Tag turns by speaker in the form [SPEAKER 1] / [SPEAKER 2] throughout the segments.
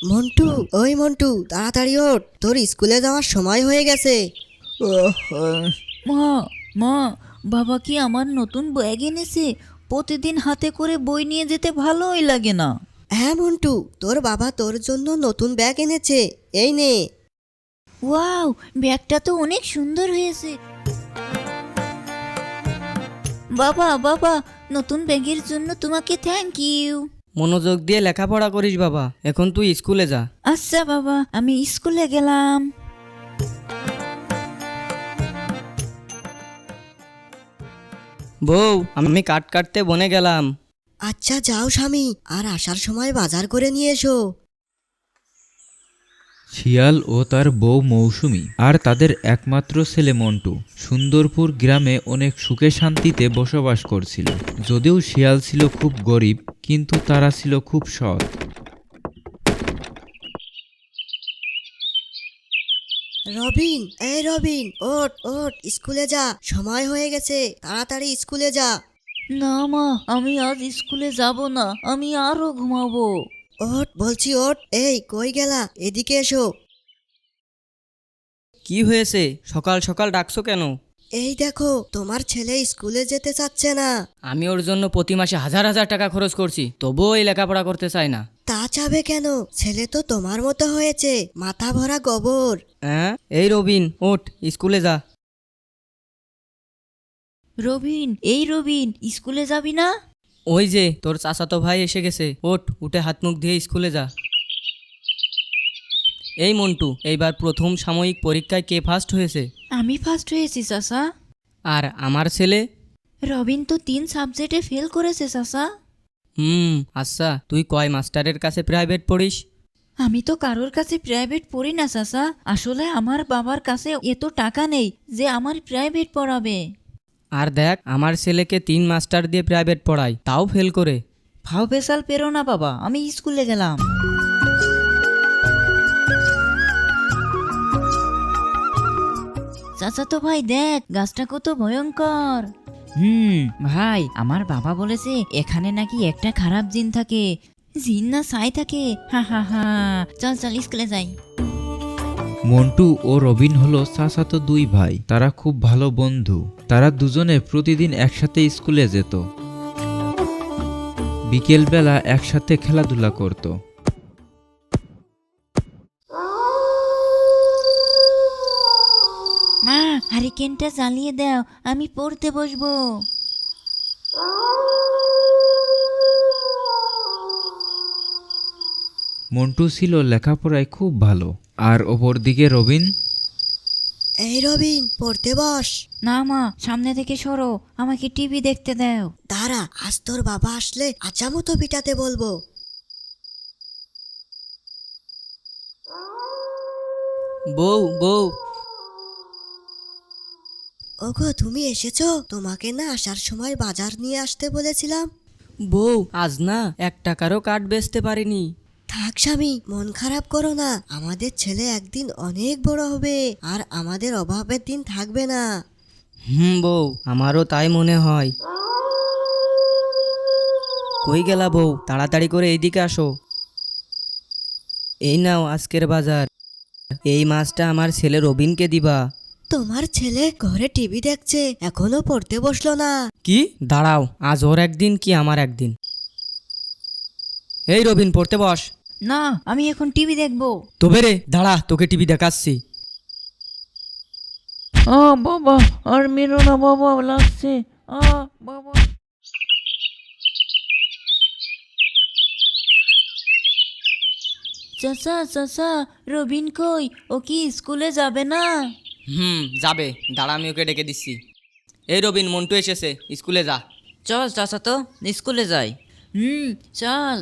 [SPEAKER 1] মন্টু, ওই মন্টু, তাড়াতাড়ি ওঠ, তোর স্কুলে যাওয়ার সময় হয়ে গেছে।
[SPEAKER 2] মা মা বাবা কি আমার নতুন ব্যাগ এনেছে? প্রতিদিন হাতে করে বই নিয়ে যেতে ভালোই লাগে না।
[SPEAKER 1] হ্যাঁ মন্টু, তোর বাবা তোর জন্য নতুন ব্যাগ এনেছে, এই নে।
[SPEAKER 2] ওয়াও, ব্যাগটা তো অনেক সুন্দর হয়েছে। বাবা বাবা, নতুন ব্যাগের জন্য তোমাকে থ্যাংক ইউ।
[SPEAKER 3] মনোযোগ দিয়ে লেখাপড়া করিস বাবা, এখন তুই স্কুলে যা।
[SPEAKER 2] আচ্ছা বাবা, আমি স্কুলে গেলাম।
[SPEAKER 3] বউ, আমি কাট কাটতে বনে গেলাম।
[SPEAKER 1] আচ্ছা যাও স্বামী, আর আসার সময় বাজার করে নিয়ে এসো।
[SPEAKER 4] শিয়াল ও তার বউ মৌসুমী আর তাদের একমাত্র ছেলে মন্টু সুন্দরপুর গ্রামে অনেক সুখে শান্তিতে বসবাস করছিল। যদিও শিয়াল ছিল খুব গরিব, কিন্তু তারা ছিল খুব সৎ।
[SPEAKER 1] রবিন, এই রবিন, ওঠ ওঠ, স্কুলে যা, সময় হয়ে গেছে, তাড়াতাড়ি স্কুলে যা।
[SPEAKER 2] না মা, আমি আজ স্কুলে যাব না, আমি আরো ঘুমাবো।
[SPEAKER 1] ওঠ বলছি, ওঠ। এই কই গেলা, এদিকে এসো।
[SPEAKER 3] কি হয়েছে, সকাল সকাল ডাকছো কেন?
[SPEAKER 1] এই দেখো, তোমার ছেলে স্কুলে যেতে চাচ্ছে না।
[SPEAKER 3] আমি ওর জন্য প্রতি মাসে হাজার হাজার টাকা খরচ করছি, তবুও এই লেখাপড়া করতে চায় না।
[SPEAKER 1] তা চাবে কেন? ছেলে তো তোমার মতো হয়েছে, মাথা ভরা গোবর।
[SPEAKER 3] হ্যাঁ, এই রবিন, ওঠ, স্কুলে যা।
[SPEAKER 2] রবিন, এই রবিন, স্কুলে যাবি না?
[SPEAKER 3] ওই যে তোর চাচাতো ভাই এসে গেছে, ওঠ, উঠে হাত মুখ দিয়ে স্কুলে যা। এই মন্টু, এইবার প্রথম সাময়িক পরীক্ষায় কে ফার্স্ট হয়েছে?
[SPEAKER 2] আমি ফার্স্ট হয়েছি চাচা।
[SPEAKER 3] আর আমার ছেলে?
[SPEAKER 2] রবিন তো 3 সাবজেক্টে ফেল করেছে চাচা।
[SPEAKER 3] আচ্ছা, তুই কয় মাস্টারের কাছে প্রাইভেট পড়িস?
[SPEAKER 2] আমি তো কারোর কাছে প্রাইভেট পড়ি না চাচা, আসলে আমার বাবার কাছে এত টাকা নেই যে আমার প্রাইভেট পড়াবে।
[SPEAKER 3] আর দেখ, আমার ছেলেকে 3 মাস্টার দিয়ে প্রাইভেট পড়ায়, তাও ফেল করে।
[SPEAKER 2] ফাও পেশাল পেরো না বাবা, আমি স্কুলে গেলাম। চাচা তো ভাই দেখ, গাছটা কত ভয়ঙ্কর। ভাই, আমার বাবা বলেছে এখানে নাকি একটা খারাপ জিন থাকে। জিন না ছাই থাকে, হা হা হা। চল চল স্কুলে যাই।
[SPEAKER 4] মন্টু ও রবিন হলো চাচাতো দুই ভাই। তারা খুব ভালো বন্ধু। তারা দুজনে প্রতিদিন একসাথে স্কুলে যেত। বিকেলবেলা একসাথে খেলাধুলা করত।
[SPEAKER 2] মা, হারিকেনটা জ্বালিয়ে দাও, আমি পড়তে বসবো।
[SPEAKER 4] মন্টু ছিল লেখাপড়ায় খুব ভালো, আর অপরদিকে রবিন।
[SPEAKER 1] এই রবিন, পড়তে বস।
[SPEAKER 2] না মা, সামনে থেকে সরো, আমাকে টিভি দেখতে দাও।
[SPEAKER 1] দাঁড়া, আজ তোর বাবা আসলে আচামতো পিটাতে বলবো।
[SPEAKER 3] বউ বউ,
[SPEAKER 1] ওগো, তুমি এসেছো? তোমাকে না আসার সময় বাজার নিয়ে আসতে বলেছিলাম।
[SPEAKER 3] বউ, আজ না 1 টাকারও কাঠ বেচতে পারিনি।
[SPEAKER 1] থাক স্বামী, মন খারাপ করো না, আমাদের ছেলে একদিন অনেক বড় হবে, আর আমাদের অভাবের দিন থাকবে না।
[SPEAKER 3] বউ, আমারও তাই মনে হয়। কই গেলা বউ, তাড়াতাড়ি করে এইদিকে আসো। এই নাও আজকের বাজার, এই মাছটা আমার ছেলে রবিনকে দিবা।
[SPEAKER 1] তোমার ছেলে ঘরে টিভি দেখছে, এখনো পড়তে বসলো না।
[SPEAKER 3] কি? দাঁড়াও, আজ ওর একদিন কি আমার একদিন। এই রবিন, পড়তে বস।
[SPEAKER 2] না, আমি এখন টিভি দেখবো।
[SPEAKER 3] তবে রে, দাঁড়া, তোকে টিভি দেখাচ্ছি।
[SPEAKER 2] বাবা, আর মেরো না বাবা, লাগছে। বাবা। চাচা চাচা, রবিন কই? ও কি স্কুলে যাবে না?
[SPEAKER 3] যাবে, দাঁড়া, আমি ওকে ডেকে দিচ্ছি। এই রবিন, মন্টু এসেছে, স্কুলে যা।
[SPEAKER 2] চল চাচা, তো স্কুলে যাই। চল।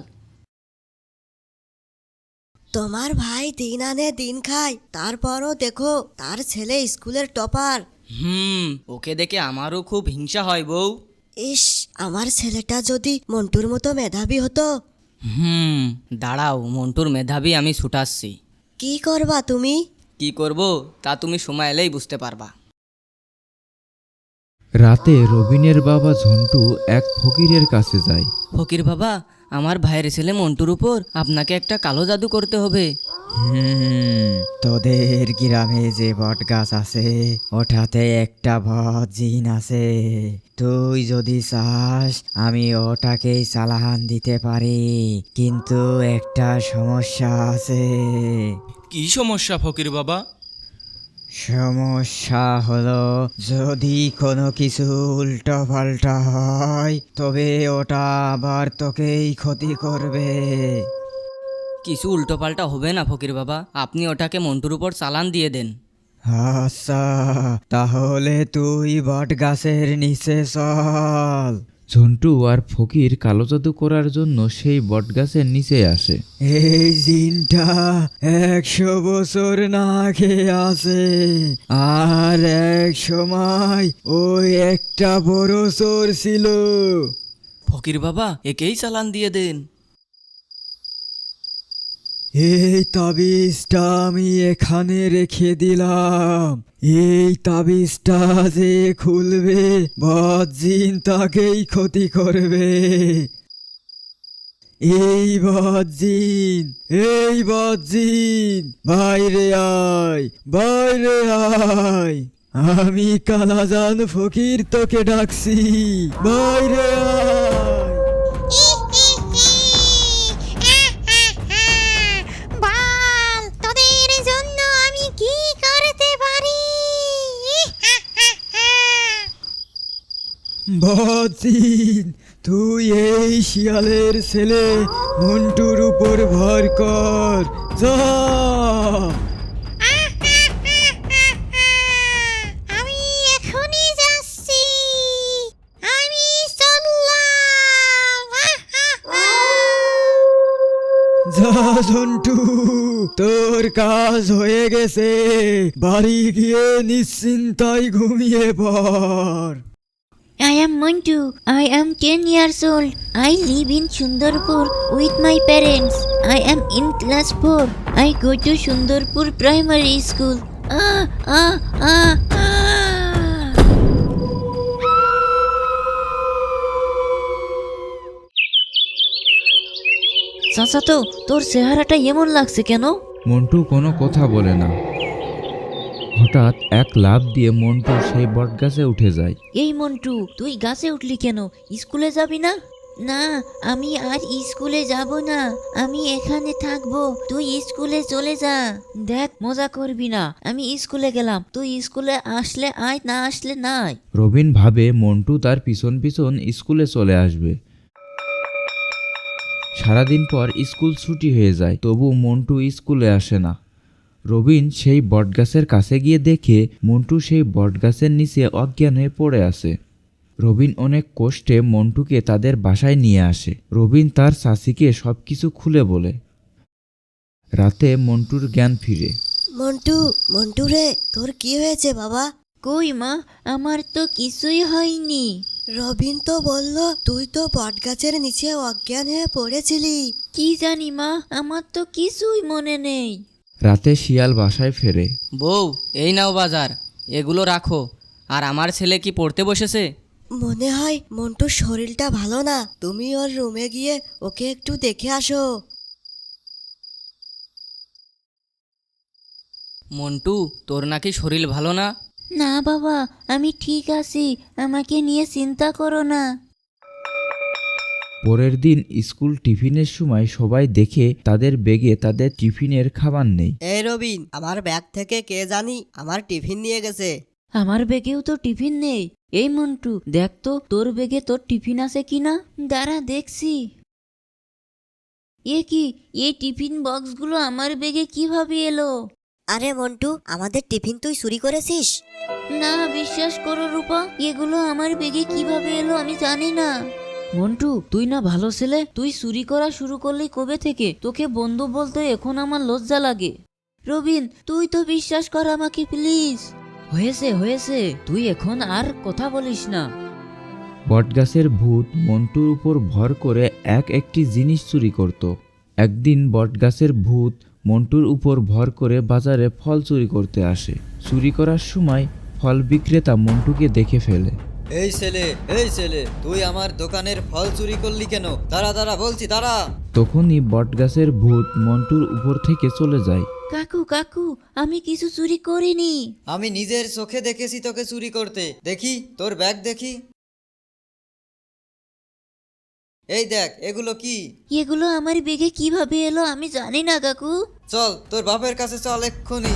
[SPEAKER 1] তোমার ভাই দিন আনে দিন খায়, তারপরও দেখো তার ছেলে স্কুলের টপার।
[SPEAKER 3] ওকে দেখে আমারও খুব হিংসা হয় বউ।
[SPEAKER 1] ইস, আমার ছেলেটা যদি মন্টুর মতো মেধাবী হতো।
[SPEAKER 3] দাঁড়াও, মন্টুর মেধাবী আমি ছুটাচ্ছি।
[SPEAKER 1] কি করবা তুমি?
[SPEAKER 3] কি করব তা তুমি সময় এলেই বুঝতে পারবা।
[SPEAKER 4] রাতে রবিনের বাবা ঝন্টু এক ফকিরের কাছে যায়।
[SPEAKER 3] ফকির বাবা, আমার ভাইয়ের ছেলে মন্টুর উপর আপনাকে একটা কালো জাদু করতে হবে।
[SPEAKER 5] তোদের গ্রামে যে বট গাছ আছে ওটাতে একটা বদ জিন আছে। তুই যদি চাস আমি ওটাকেই চালান দিতে পারি, কিন্তু একটা সমস্যা আছে।
[SPEAKER 6] কি সমস্যা ফকির বাবা?
[SPEAKER 5] সমস্যা হলো যদি কোনো কিছু উল্টো পাল্টা হয় তবে ওটা আবার তোকেই ক্ষতি করবে।
[SPEAKER 3] কিছু উল্টোপাল্টা হবে না ফকির বাবা, আপনি ওটাকে মন্টুর উপর চালান দিয়ে দেন।
[SPEAKER 5] আচ্ছা, তাহলে তুই বট গাছের নিচে চল।
[SPEAKER 4] ঝন্টু আর ফকির কালো জাদু করার জন্য সেই বটগাছের নিচে আসে।
[SPEAKER 5] এই জিনটা 100 বছর না খেয়ে আছে, আর এক সময় ওই একটা বড় চোর ছিল।
[SPEAKER 3] ফকির বাবা, একেই চালান দিয়ে দেন।
[SPEAKER 5] এই তাবিজটা আমি এখানে রেখে দিলাম। এই তাবিজটা যে খুলবে বজ্জিন তাকেই ক্ষতি করবে। এই বজ্জিন বাইরে আয়, বাইরে আয়। আমি কালাজান ফকির তোকে ডাকছি, বাইরে আয়।
[SPEAKER 7] বল, তোদের জন্য আমি কি করতে পারি?
[SPEAKER 5] বজ্জিন, তুই এই শিয়ালের ছেলে মন্টুর উপর ভর কর, যা।
[SPEAKER 7] আমি এখনই যাচ্ছি, আমি চললাম।
[SPEAKER 5] যা ঝন্টু, তোর কাজ হয়ে গেছে, বাড়ি গিয়ে নিশ্চিন্তায় ঘুমিয়ে পড়।
[SPEAKER 2] I am Mantu. I am 10 years old. I live in Sundarpur with my parents. I am in class 4. I go to Sundarpur Primary School. Ah, ah, ah, ah. চাচা তো তোর চেহারাটা এমন লাগছে কেন?
[SPEAKER 4] মন্টু কোনো কথা বলে না। হঠাৎ এক লাফ দিয়ে মন্টু সেই বটগাছে উঠে যায়।
[SPEAKER 2] এই মন্টু, তুই গাছে উঠলি কেন? স্কুলে যাবি না? না, আমি আর স্কুলে যাব না, আমি এখানে থাকবো। তুই স্কুলে চলে যা। দেখ, মজা করবি না, আমি স্কুলে গেলাম, তুই স্কুলে আসলে আয়, না আসলে নাই।
[SPEAKER 4] রবিন ভাবে মন্টু তার পিছন পিছন স্কুলে চলে আসবে। সারাদিন পর স্কুল ছুটি হয়ে যায়, তবু মন্টু স্কুলে আসে না। রবিন সেই বটগাছের কাছে গিয়ে দেখে মন্টু সেই বটগাছের নিচে অজ্ঞান হয়ে পড়ে আছে। রবিন অনেক কষ্টে মন্টুকে তাদের বাসায় নিয়ে আসে। রবিন তার চাচিকে সবকিছু খুলে বলে। রাতে মন্টুর জ্ঞান ফিরে।
[SPEAKER 1] মন্টু রে, তোর কি হয়েছে বাবা?
[SPEAKER 2] কই মা, আমার তো কিছুই হয়নি।
[SPEAKER 1] রবিন তো বলল তুই তো বটগাছের নিচে অজ্ঞান হয়ে পড়েছিলি।
[SPEAKER 2] কি জানি মা, আমার তো কিছুই মনে নেই।
[SPEAKER 4] রাতে শিয়াল বাসায় ফেরে।
[SPEAKER 3] বউ, এই নাও বাজার, এগুলো রাখো। আর আমার ছেলে কি পড়তে বসেছে?
[SPEAKER 1] মনে হয় মন্টুর শরীরটা ভালো না, তুমি ওর রুমে গিয়ে ওকে একটু দেখে আসো।
[SPEAKER 3] মন্টু, তোর নাকি শরীর ভালো না?
[SPEAKER 2] না বাবা, আমি ঠিক আছি, আমাকে নিয়ে চিন্তা করো না।
[SPEAKER 4] পরের দিন স্কুল টিফিনের সময় সবাই দেখে তাদের ব্যাগে তাদের টিফিনের খাবার নেই।
[SPEAKER 1] এই রবিন, আমার ব্যাগ থেকে কে জানি আমার টিফিন নিয়ে গেছে।
[SPEAKER 2] আমার ব্যাগেও তো টিফিন নেই। এই মন্টু, দেখ তো তোর ব্যাগে তোর টিফিন আছে কিনা। দাঁড়া, দেখছি। এ কি, এই টিফিন বক্সগুলো আমার ব্যাগে কিভাবে এলো?
[SPEAKER 1] আরে মন্টু, আমাদের টিফিন তুই চুরি করেছিস?
[SPEAKER 2] না, বিশ্বাস করো রূপা, এগুলো আমার ব্যাগে কিভাবে এলো আমি জানি না। মন্টু, তুই না ভালো ছেলে, তুই চুরি করা শুরু করলি কবে থেকে? তোকে বন্ধু বলতে এখন আমার লজ্জা লাগে। রবিন, তুই তো বিশ্বাস কর আমাকে প্লিজ। হয়েছে হয়েছে, তুই এখন আর কথা বলিস না।
[SPEAKER 4] বটগাছের ভূত মন্টুর উপর ভর করে একটি জিনিস চুরি করত। একদিন বটগাছের ভূত মন্টুর উপর ভর করে বাজারে ফল চুরি করতে আসে। চুরি করার সময় ফল বিক্রেতা মন্টুকে দেখে ফেলে।
[SPEAKER 5] এই ছেলে তুই আমার দোকানের ফল চুরি করলি কেন? দাঁড়া দাঁড়া বলছি, দাঁড়া।
[SPEAKER 4] তখনই বটগাছের ভূত মন্টুর উপর থেকে চলে যায়।
[SPEAKER 2] কাকু কাকু, আমি কিছু চুরি করিনি।
[SPEAKER 5] আমি নিজের চোখে দেখেছি তোকে চুরি করতে। দেখি তোর ব্যাগ দেখি। এই দেখ, এগুলো কি?
[SPEAKER 2] এগুলো আমার বেগে কিভাবে এলো আমি জানি না কাকু।
[SPEAKER 5] চল তোর বাপের কাছে চল এক্ষুনি।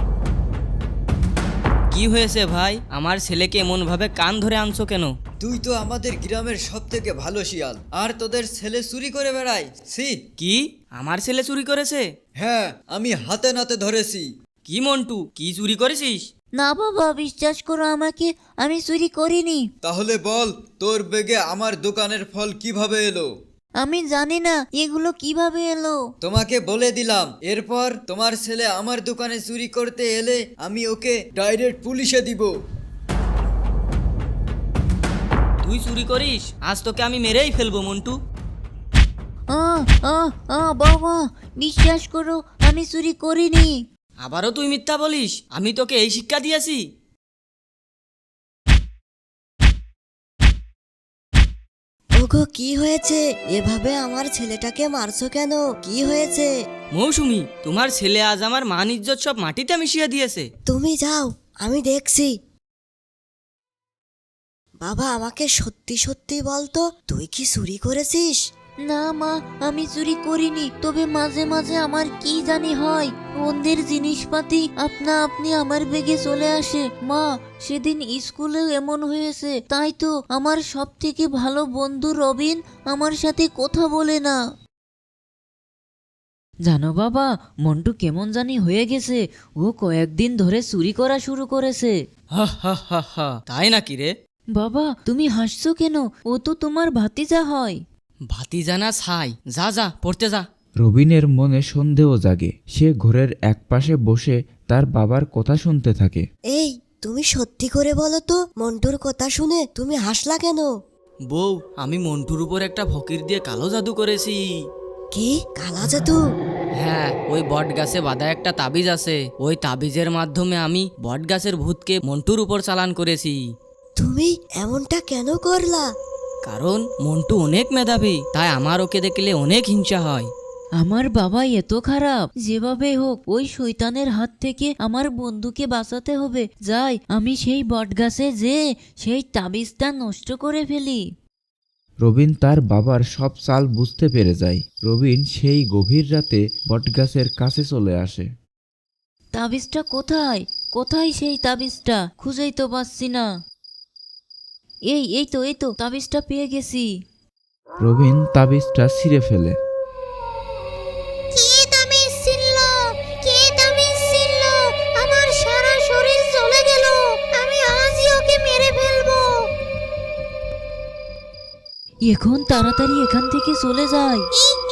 [SPEAKER 3] কি হয়েছে ভাই? আমার ছেলেকে এমন ভাবে কান ধরে আনছো কেন?
[SPEAKER 5] তুই তো আমাদের গ্রামের সব থেকে ভালো শিয়াল, আর তোদের ছেলে চুরি করে বেড়ায়। ছি!
[SPEAKER 3] কি? আমার ছেলে চুরি করেছে?
[SPEAKER 5] হ্যাঁ, আমি হাতে নাতে ধরেছি।
[SPEAKER 3] কি মন্টু, কি চুরি করেছিস?
[SPEAKER 2] না বাবা, বিশ্বাস করো আমাকে, আমি চুরি করিনি।
[SPEAKER 5] তাহলে বল, তোর বেগে আমার দোকানের ফল কিভাবে এলো?
[SPEAKER 2] আমি জানি না এগুলো কিভাবে এলো।
[SPEAKER 5] তোমাকে বলে দিলাম, এরপর তোমার ছেলে আমার দোকানে চুরি করতে এলে আমি ওকে ডাইরেক্ট পুলিশে দিব।
[SPEAKER 3] তুই চুরি করিস? আজ তোকে আমি মেরেই ফেলবো মন্টু।
[SPEAKER 2] বাবা, বিশ্বাস করো আমি চুরি করিনি।
[SPEAKER 3] আবারও তুই মিথ্যা বলিস? আমি তোকে এই শিক্ষা দিয়েছি?
[SPEAKER 1] ওগো কি হয়েছে? এভাবে আমার ছেলেটাকে মারছো কেন? কি হয়েছে?
[SPEAKER 3] মৌসুমী, তোমার ছেলে আজ আমার মান ইজ্জত সব মাটিতে মিশিয়ে দিয়েছে।
[SPEAKER 1] তুমি যাও, আমি দেখছি। বাবা, আমাকে সত্যি সত্যি বলতো, তুই কি চুরি করেছিস?
[SPEAKER 2] না মা, আমি চুরি করিনি, তবে মাঝে মাঝে আমার কি জানি হয়, অন্যের জিনিসপাতি আপনা আপনি আমার বেগে চলে আসে। মা, সেদিন স্কুলেও এমন হয়েছে, তাই তো আমার সব থেকে ভালো বন্ধু রবিন আমার সাথে কথা বলে না। জানো বাবা, মন্টু কেমন জানি হয়ে গেছে, ও কয়েকদিন ধরে চুরি করা শুরু করেছে।
[SPEAKER 3] হা হা হা হা, তাই নাকি রে?
[SPEAKER 2] বাবা, তুমি হাসছো কেন? ও তো তোমার ভাতিজা হয়।
[SPEAKER 3] ভাতিজানা ছাই, যা যা পড়তে যা।
[SPEAKER 4] রবিনের মনে সন্দেহ জাগে। সে ঘরের একপাশে বসে তার বাবার কথা শুনতে থাকে।
[SPEAKER 1] এই, তুমি সত্যি করে বলো তো, মন্টুর কথা শুনে তুমি হাসলা কেন?
[SPEAKER 3] বউ, আমি মন্টুর উপর একটা ফকির দিয়ে কালো জাদু করেছি।
[SPEAKER 1] কি কালা জাদু?
[SPEAKER 3] হ্যাঁ, ওই বট গাছে বাঁধা একটা তাবিজ আছে, ওই তাবিজের মাধ্যমে আমি বট গাছের ভূতকে মন্টুর উপর চালান করেছি।
[SPEAKER 1] তুমি এমনটা কেন করলা?
[SPEAKER 3] কারণ মন্টু অনেক মেধাবী, তাই আমার ওকে দেখলে অনেক হিংসা হয়।
[SPEAKER 2] আমার বাবা এত খারাপ, যেভাবে হোক ওই শয়তানের হাত থেকে আমার বন্ধুকে বাঁচাতে হবে। যাই, আমি সেই বটগাছে যে সেই তাবিজটা নষ্ট করে ফেলি।
[SPEAKER 4] রবিন তার বাবার সব চাল বুঝতে পেরে যায়। রবিন সেই গভীর রাতে বটগাছের কাছে চলে আসে।
[SPEAKER 2] তাবিজটা কোথায়? কোথায় সেই তাবিজটা? খুঁজেই তো পাচ্ছি না। এই তো তাবিজটা পেয়ে গেছি।
[SPEAKER 4] রবিন তাবিজটা ছিঁড়ে ফেলে।
[SPEAKER 7] কে তাবিজ ছিল? কে তাবিজ ছিল? আমার সারা শরীর জ্বলে গেল। আমি আজই ওকে মেরে ফেলবো।
[SPEAKER 2] এখন তাড়াতাড়ি এখান থেকে চলে যাই।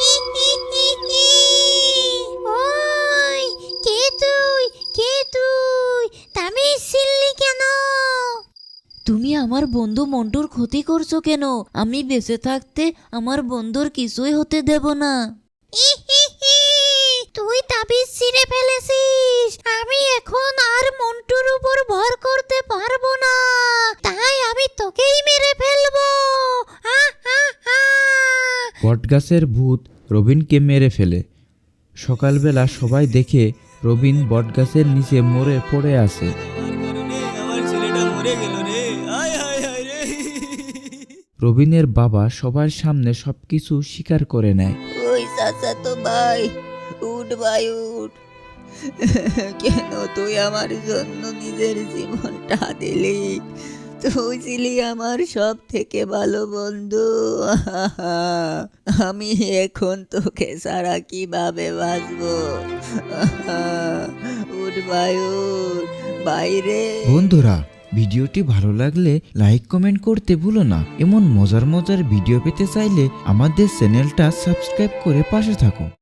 [SPEAKER 7] ওই, কে তুই? কে তুই? তাবিজ ছিললি কেন?
[SPEAKER 2] তুমি আমার বন্ধু মন্টুর ক্ষতি করছো কেন? আমি বেঁচে থাকতে আমার বন্ধুর কিছুই হতে দেব না।
[SPEAKER 7] তুই তাবিজ ছিঁড়ে ফেলেছিস। আমি এখন আর মন্টুর উপর ভর করতে পারবো না, তাই আমি তোকেই মেরে ফেলবো।
[SPEAKER 4] বটগাছের ভূত রবিনকে মেরে ফেলে। সকালবেলা সবাই দেখে রবিন বটগাছের নিচে মরে পড়ে আছে।
[SPEAKER 3] আমার ছেলেটা মরে গেল রে, আয় হায় হায় রে।
[SPEAKER 4] রবিনের বাবা সবার সামনে সবকিছু স্বীকার করে নেয়।
[SPEAKER 2] ওই চাচা তো ভাই, উঠ ভাই উঠ। কেন তুই আমার জন্য নিজের জীবনটা দিলি? তুই ছিলি আমার সব থেকে ভালো বন্ধু। আমি এখন তোকে ছাড়া কিভাবে বাঁচবো? উঠ ভাই উঠ, বাইরে।
[SPEAKER 4] বন্ধুরা, ভিডিওটি ভালো লাগলে লাইক কমেন্ট করতে ভুলো না। এমন মজার মজার ভিডিও পেতে চাইলে আমাদের চ্যানেলটা সাবস্ক্রাইব করে পাশে থাকো।